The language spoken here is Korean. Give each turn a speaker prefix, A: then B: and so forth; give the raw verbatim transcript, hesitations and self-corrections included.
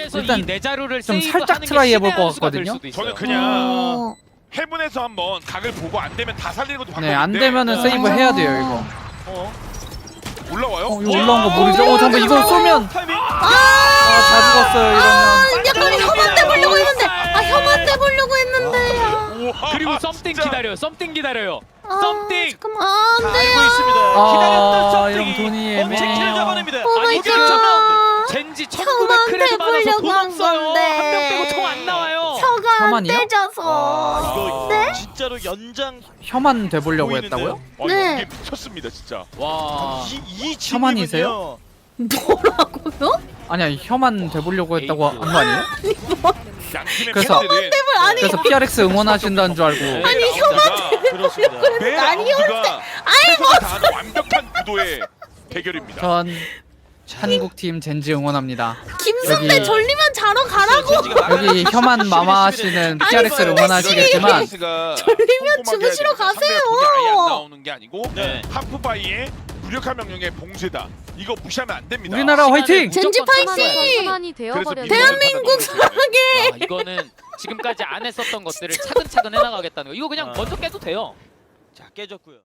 A: 그래서
B: 일단
A: 이 네 자루를
B: 좀
A: 세이브
B: 살짝
A: 하는 게
B: 트라이 해볼
A: 신의
B: 것
A: 한 수가 될
B: 같거든요?
A: 수도 있어요.
C: 저는 그냥
D: 어...
C: 해븐에서 한번 각을 보고 안 되면 다 살리는 것도
B: 네, 안
C: 방법인데
B: 되면은
D: 네.
B: 세이브 해야 돼요 이거.
A: 어?
C: 올라와요?
B: 어, 이거 올라온 거 모르죠? 어 잠깐 이거 쏘면
E: 타이밍.
B: 아, 다 죽었어요 이러면.
D: 아, 약간 혐한 대보려고 했는데 아 혐한 대보려고 했는데
C: 우와,
A: 그리고 썸띵
C: 진짜.
A: 기다려요. 썸띵 기다려요.
D: 아,
A: 썸띵.
D: 잠깐만 아,
E: 다
D: 안 돼요.
E: 알고 있습니다.
B: 아,
E: 기다렸던 썸띵이
B: 형 돈이
E: 엄청
B: 애매해요.
E: 킬을 잡아냅니다.
D: 오 마이
A: 아니, 지금
D: 갓.
A: 젠지
D: 혐한
A: 천구백 크레드 받아서 돈
D: 대보려고 한
A: 없어요.
D: 건데.
A: 한 명 빼고 총 안 나와요.
D: 혀가 안
B: 혐한이요?
D: 떼져서
E: 아, 이거
D: 네?
E: 진짜로 연장
B: 혐한 돼보려고
E: 보이는데요?
B: 했다고요?
C: 어,
D: 네.
C: 이게 미쳤습니다 진짜.
A: 와.
E: 이, 이
B: 혐한이세요?
D: 뭐라고요?
B: 아니야 혐한 돼보려고 했다고 한 거 아니에요?
C: 양팀의
B: 그래서-
C: 팬들은
D: 아니
B: 그래서 피알엑스 응원하신다는 줄 알고.
D: 아니 혐한
E: 그렇습니다.
C: 매
D: 아니,
C: 라운드가 최선을 다하는 완벽한 구도의 대결입니다.
B: 전 한국팀 젠지 응원합니다.
D: 김승배
B: 여기-
D: 졸리면 자러 가라고
B: 여기 혐한 마마 씨는 피알엑스를 응원하시겠지만
D: 졸리면 주무시러 가세요.
C: 아예 안 나오는 게 아니고
E: 네.
C: 하프바이의 무력한 명령의 봉쇄다. 이거 무시하면 안 됩니다.
B: 우리나라 화이팅!
D: 젠지
A: 무조건
D: 파이팅!
A: 참아야
F: 선환이 되어버렸네.
D: 대한민국 사랑해.
A: 아, 이거는 지금까지 안 했었던 것들을 차근차근 해나가겠다는 거. 이거 그냥
E: 아.
A: 먼저 깨도 돼요.
E: 자 깨졌고요.